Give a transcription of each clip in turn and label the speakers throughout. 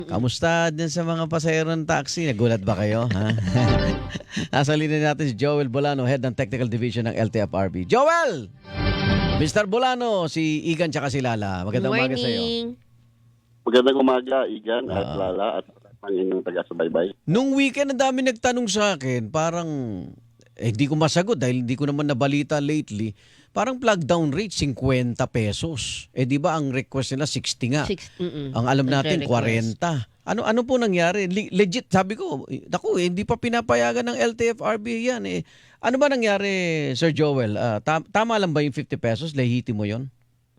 Speaker 1: Kamusta din sa mga pasahero ng taxi? Nagulat ba kayo? Ha? Nasa linya natin si Joel Bolano, Head ng Technical Division ng LTFRB. Joel! Mr. Bolano, si Igan tsaka si Lala. Magandang umaga sa iyo.
Speaker 2: Morning.
Speaker 3: Magandang umaga, Igan at
Speaker 1: Oo.
Speaker 3: Lala at ang inyong taga-subaybay.
Speaker 1: Nung weekend, ang dami nagtanong sa akin, parang, hindi ko masagot dahil hindi ko naman nabalita lately. Parang plug down rate, 50 pesos. Di ba ang request nila 60 nga? Ang alam natin, 40. Ano po nangyari? Legit, sabi ko, naku, hindi pa pinapayagan ng LTFRB yan. Ano ba nangyari, Sir Joel? Tama lang ba yung 50 pesos? Lehiti mo yon?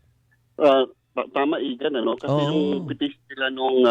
Speaker 3: Tama, Igan, ano? Kasi
Speaker 1: Oo.
Speaker 3: yung petition nila noong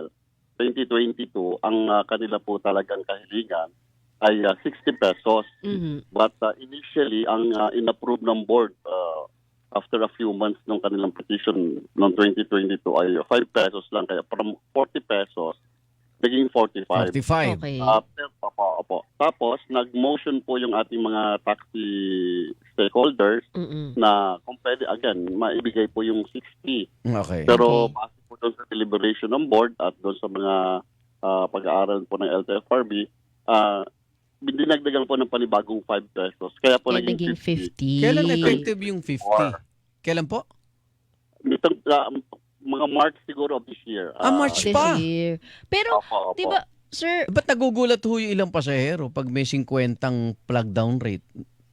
Speaker 3: 2022, ang kanila po talagang kahilingan ay 60 pesos. But initially, ang in-approve ng board after a few months ng kanilang petition noong 2022 ay 5 pesos lang. Kaya from 40 pesos, naging 45.
Speaker 1: 45.
Speaker 2: Okay.
Speaker 3: Opo. Tapos, nag-motion po yung ating mga taxi stakeholders na kung pwede, again, maibigay po yung 60.
Speaker 1: Okay.
Speaker 3: Pero
Speaker 2: Okay.
Speaker 3: base po doon sa deliberation ng board at doon sa mga pag-aaral po ng LTFRB, dinagdagan po ng panibagong 5 pesos. Kaya po
Speaker 2: Kaya
Speaker 3: naging
Speaker 2: naging
Speaker 3: 50.
Speaker 2: 50.
Speaker 1: Kailan effective yung 50? Kailan po?
Speaker 3: Nitong, mga March siguro of this year.
Speaker 1: March
Speaker 2: This
Speaker 1: pa.
Speaker 2: year. Pero,
Speaker 3: Opo.
Speaker 2: di ba, sir,
Speaker 1: Ba't nagugulat ho yung ilang pasahero pag may 50 plug down rate?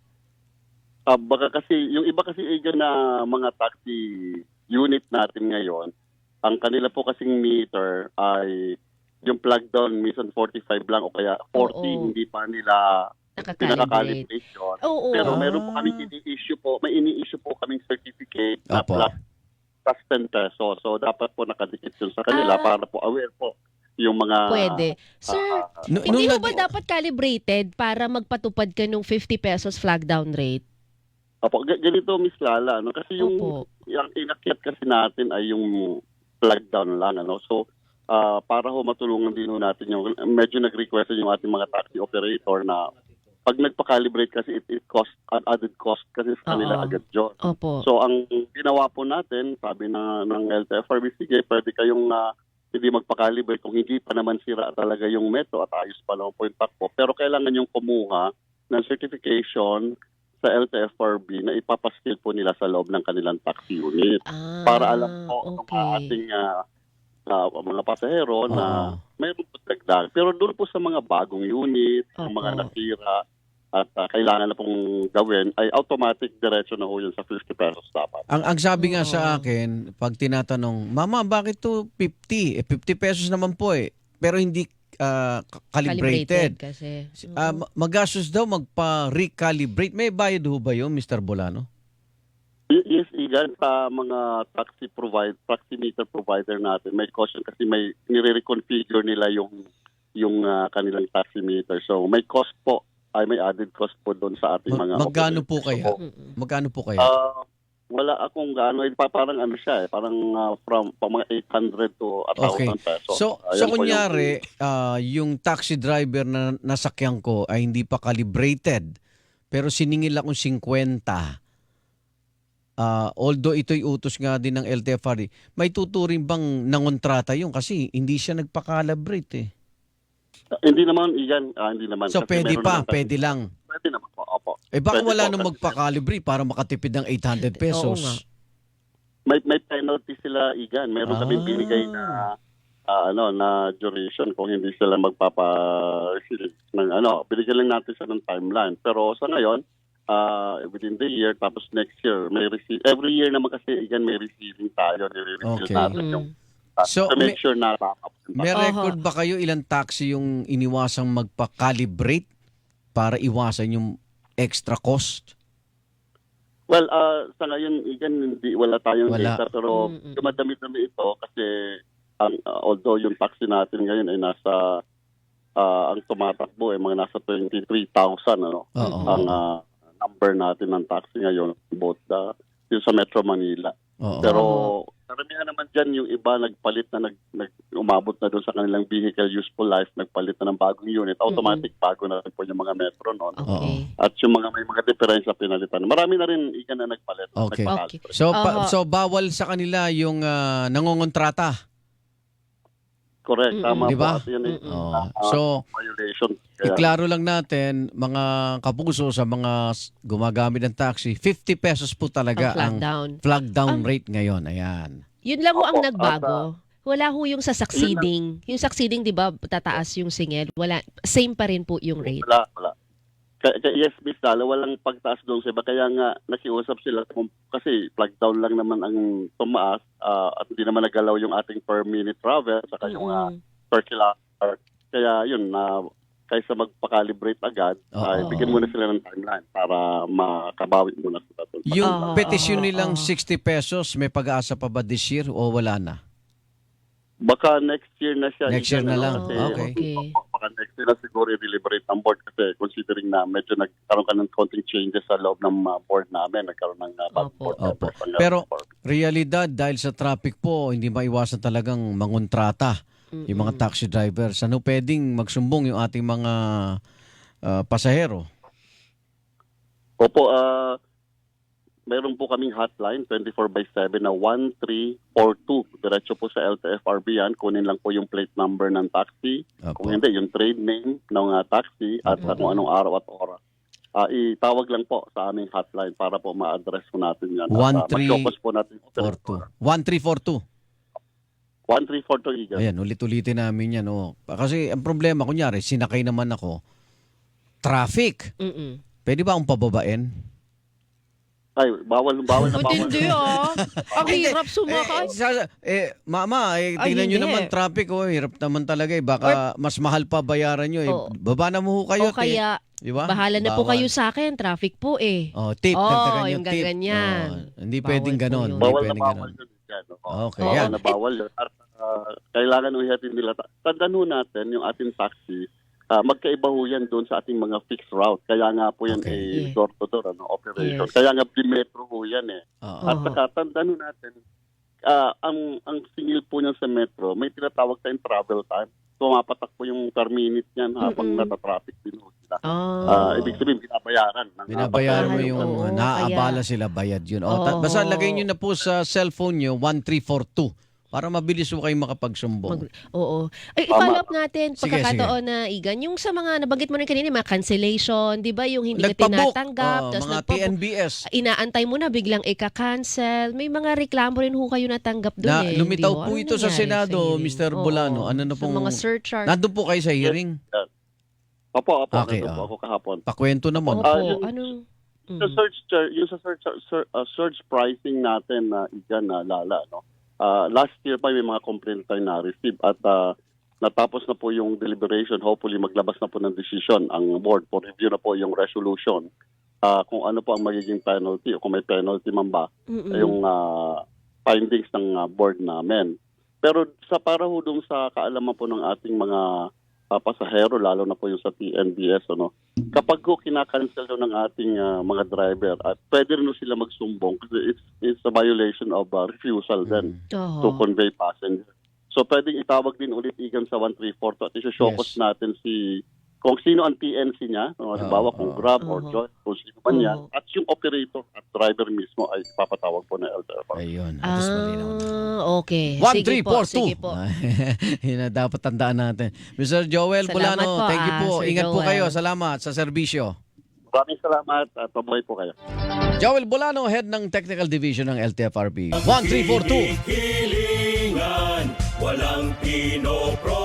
Speaker 3: Baka kasi, yung iba kasi agent na mga taxi unit natin ngayon, ang kanila po kasing meter ay yung plug down minsan 45 lang o kaya 40,
Speaker 2: Oo.
Speaker 3: hindi pa nila
Speaker 2: nakakalibrate.
Speaker 3: pinaka-calibrate yun.
Speaker 2: Oo.
Speaker 3: Pero meron po kami may ini-issue po kaming certificate na
Speaker 1: Apo.
Speaker 3: plus 10 pesos. So dapat po nakadikit yun sa kanila para po aware po yung mga...
Speaker 2: Pwede. Sir,
Speaker 1: Nung
Speaker 2: hindi mo
Speaker 1: nag-
Speaker 2: ba dapat calibrated para magpatupad ka ng 50 pesos flag down rate?
Speaker 3: Opo, ganito Miss Lala, no? Kasi yung
Speaker 2: Opo.
Speaker 3: inakyat kasi natin ay yung plug down lang, ano? So, para ho matulungan din ho natin yung, medyo nag-request yung ating mga taxi operator na pag nagpa-calibrate kasi it cost, an added cost kasi sa kanila
Speaker 2: Oo.
Speaker 3: agad yun.
Speaker 2: Opo.
Speaker 3: So, ang ginawa po natin, sabi ng LTFRB, sige, pwede kayong hindi magpa-calibrate kung hindi pa naman sira talaga yung metro at ayos pa naman po yung takbo. Pero kailangan yung kumuha ng certification sa LTFRB na ipapaskil po nila sa loob ng kanilang taxi unit. Para alam po ng
Speaker 2: okay.
Speaker 3: ating mga pasahero na
Speaker 1: Oo.
Speaker 3: mayroon po dagdag. Pero doon po sa mga bagong unit, ang mga
Speaker 2: Opo.
Speaker 3: nasira at kailangan na pong gawin, ay automatic diretso na ho yun sa 50 pesos dapat.
Speaker 1: Ang sabi nga
Speaker 2: Oo.
Speaker 1: sa akin, pag tinatanong, Mama, bakit to 50? 50 pesos naman po eh. Pero hindi calibrated.
Speaker 2: kasi.
Speaker 1: Magastos daw magpa-recalibrate. May bayad ho ba yun, Mr. Bolano?
Speaker 3: Yes, Igan, sa mga taxi meter provider natin, may caution kasi may nire-reconfigure nila yung kanilang taxi meter. So may cost po, may added cost po doon sa ating mga
Speaker 1: Magkano po
Speaker 3: operators.
Speaker 1: kaya?
Speaker 3: So,
Speaker 1: Magkano po kaya?
Speaker 3: wala akong gaano, parang ano siya parang from mga 800 to 1,000 pesos.
Speaker 1: So
Speaker 3: Ayan po
Speaker 1: kunyari, yung taxi driver na nasakyan ko ay hindi pa calibrated, pero siningil akong 50. Although ito'y utos nga din ng LTFRB, may tuturing bang nangontrata yun kasi hindi siya nagpa-calibrate eh.
Speaker 3: Hindi naman, Igan, hindi naman.
Speaker 1: So
Speaker 3: Kasi
Speaker 1: pwede
Speaker 3: meron
Speaker 1: pa,
Speaker 3: naman tayo-
Speaker 1: pwede lang.
Speaker 3: Pwede naman po, opo.
Speaker 1: Baka
Speaker 3: Pwede
Speaker 1: wala
Speaker 3: po,
Speaker 1: nang
Speaker 3: kasi
Speaker 1: magpa-calibrate para makatipid ng 800 pesos.
Speaker 2: Oo nga.
Speaker 3: May penalty sila, Igan. Meron kaming binigay na na duration kung hindi sila magpapa-receive ng binigyan lang natin siya ng timeline. Pero sa ngayon, within the year, tapos next year, may receive. Every year naman kasi, Igan, may receiving tayo. Nire-receive
Speaker 1: Okay.
Speaker 3: natin yung
Speaker 1: So,
Speaker 3: to make sure na backup.
Speaker 1: May record ba kayo ilang taxi yung iniwasang magpa-calibrate para iwasan yung extra cost?
Speaker 3: Well, sa ngayon, Igan, wala tayong
Speaker 1: Wala.
Speaker 3: data, pero dumadami-dami ito kasi although yung taxi natin ngayon ay nasa, ang tumatakbo ay mga nasa 23,000,
Speaker 1: Oo.
Speaker 3: ang number natin ng taxi ngayon, both yung sa Metro Manila.
Speaker 1: Oo.
Speaker 3: Pero karamihan naman dyan, yung iba nagpalit na umabot na doon sa kanilang vehicle useful life, nagpalit na ng bagong unit, automatic bago na rin po yung mga Metro noon.
Speaker 2: Okay.
Speaker 3: At yung may mga diferensya pinalitan. Marami na rin Igan na nagpalit.
Speaker 1: Okay.
Speaker 3: nagpa-calibrate.
Speaker 1: So,
Speaker 2: Aha.
Speaker 1: so bawal sa kanila yung nangongontrata.
Speaker 3: Correct. Tama
Speaker 1: Di ba?
Speaker 3: po. At yan
Speaker 1: So,
Speaker 3: violation. Kaya,
Speaker 1: iklaro lang natin, mga kapuso, sa mga gumagamit ng taxi, 50 pesos po talaga
Speaker 2: Ang flag
Speaker 1: ang
Speaker 2: down.
Speaker 1: flag down rate ngayon. Ayan.
Speaker 2: Yun lang ho ang
Speaker 3: Opo,
Speaker 2: nagbago. Wala ho yung sa succeeding. Yung succeeding, di ba, tataas yung singil. Wala. Same pa rin po yung rate.
Speaker 3: wala. Yes, Miss Dala, walang pagtaas doon sa iba. Kaya nga, nakiusap sila. Kasi flag down lang naman ang tumaas at hindi naman nagalaw yung ating per minute travel saka yung per kilometer. Kaya yun, kaysa magpa-calibrate agad, bigyan muna sila ng timeline para makabawi muna sila.
Speaker 1: Yung petisyon nilang 60 pesos, may pag-aasa pa ba this year o wala na?
Speaker 3: Baka next year na siya.
Speaker 1: Next year na lang.
Speaker 3: Kasi,
Speaker 1: Okay.
Speaker 3: Baka next year na siguro i-deliberate ng board kasi considering na medyo nagkaroon ka ng konting changes sa loob ng board namin. Nagkaroon ng bagong board.
Speaker 1: Opo.
Speaker 3: members.
Speaker 1: Pero realidad, dahil sa traffic po, hindi maiwasan talagang mangontrata yung mga taxi drivers. Ano pwedeng magsumbong yung ating mga pasahero?
Speaker 3: Opo, meron po kaming hotline 24/7 na 1342. Diretso po sa LTFRB yan. Kunin lang po yung plate number ng taxi.
Speaker 1: Opo.
Speaker 3: Kung hindi, yung trade name ng taxi at kung anong araw at oras. Itawag lang po sa aming hotline para po ma-address po natin yan.
Speaker 1: 1342.
Speaker 3: Mas-focus po natin.
Speaker 1: 1342.
Speaker 3: 1342, Igan.
Speaker 1: Ayan, ulit-ulitin namin yan. Kasi ang problema, kunyari, sinakay naman ako, traffic. Pwede ba akong pababain?
Speaker 3: Ay, bawal na bawal.
Speaker 2: Hindi Ang hirap sumakay.
Speaker 1: Mama,
Speaker 2: Ay,
Speaker 1: tingnan nyo
Speaker 2: hindi.
Speaker 1: naman traffic. Hirap naman talaga. Baka mas mahal pa bayaran nyo. Baba na mo ho kayo.
Speaker 2: O kaya,
Speaker 1: Di ba?
Speaker 2: bahala na po
Speaker 1: Bawal.
Speaker 2: kayo sa akin. Traffic po eh.
Speaker 1: Tip. dagdagan
Speaker 2: yung
Speaker 1: tip.
Speaker 2: gaganyan.
Speaker 1: Hindi
Speaker 2: Bawal
Speaker 1: pwedeng
Speaker 2: po
Speaker 1: ganon.
Speaker 2: yun.
Speaker 1: Hindi
Speaker 3: Bawal na
Speaker 1: pwedeng
Speaker 3: bawal
Speaker 1: ganon.
Speaker 3: yun. Yan.
Speaker 1: Okay,
Speaker 3: Bawal
Speaker 1: yan.
Speaker 3: na bawal yun. At kailangan uhihatin nila. Tandaan ho natin yung ating taxi. Magkaiba ho yan doon sa ating mga fixed route. Kaya nga po yan
Speaker 2: Okay.
Speaker 3: door-to-door operation.
Speaker 2: Yes.
Speaker 3: Kaya nga bimetro ho yan eh.
Speaker 1: Oo.
Speaker 3: At saka tandaan ho natin, ang singil po niyan sa metro, may tinatawag tayong travel time. Tumapatak po yung per minute niyan habang natatraffic din ho sila. Ibig sabihin, binabayaran.
Speaker 1: Binabayaran mo
Speaker 2: Bayaran,
Speaker 1: yung
Speaker 2: oo,
Speaker 1: naaabala sila, bayad yun. Basta lagay nyo na po sa cellphone nyo, 1342. Para mabilis mo kayong makapagsumbong.
Speaker 2: Oo. Ay, i-follow up natin
Speaker 1: Sige,
Speaker 2: pagkakataon na, Igan. Yung sa mga, nabanggit mo rin kanina, mga cancellation, di ba? Yung hindi ka
Speaker 1: Nagpabook.
Speaker 2: tinatanggap. Tapos
Speaker 1: Mga TNBS.
Speaker 2: inaantay mo na, biglang ika-cancel. May mga reklamo rin ho kayo natanggap doon
Speaker 1: Na, lumitaw
Speaker 2: Di ba?
Speaker 1: po
Speaker 2: Ano
Speaker 1: ito sa
Speaker 2: nangyari
Speaker 1: Senado,
Speaker 2: hearing?
Speaker 1: Mr.
Speaker 2: Oo.
Speaker 1: Bolano. Ano na pong...
Speaker 2: Sa mga surcharge.
Speaker 1: Nandun po kayo sa hearing?
Speaker 3: Opo,
Speaker 1: Okay,
Speaker 3: nandun po ako kahapon.
Speaker 1: Pakwento naman.
Speaker 2: Opo.
Speaker 3: yung-
Speaker 2: Anong...
Speaker 3: Sa surge pricing natin na Lala, no? Last year pa may mga complaint tayo na-receive at natapos na po yung deliberation. Hopefully maglabas na po ng decision ang board for review na po yung resolution kung ano po ang magiging penalty o kung may penalty man ba yung findings ng board namin. Pero para ho dun sa kaalaman po ng ating mga pasahero, lalo na po yung sa TNBS, kapag ko kinakancel ng ating mga driver, at pwede rin sila magsumbong kasi it's a violation of refusal then to convey passenger. So pwedeng itawag din ulit Igan sa 1342 at isi-showcase natin kung sino ang TNC niya, halimbawa kung Grab or Joy, kung sino man yan, at yung operator at driver mismo ay ipapatawag po na LTFRB.
Speaker 1: Ayun. Atos malinaw na.
Speaker 2: Okay.
Speaker 1: 1342.
Speaker 2: Sige po.
Speaker 1: Yun na dapat tandaan natin. Mr. Joel
Speaker 2: Salamat
Speaker 1: Bolano,
Speaker 2: po,
Speaker 1: thank you po.
Speaker 2: Sir
Speaker 1: Ingat po
Speaker 2: Joel.
Speaker 1: kayo. Salamat sa serbisyo.
Speaker 3: Maraming salamat at pabuhay po kayo.
Speaker 1: Joel Bolano, head ng Technical Division ng LTFRB. 1342.
Speaker 4: Hilingan, walang pinopro.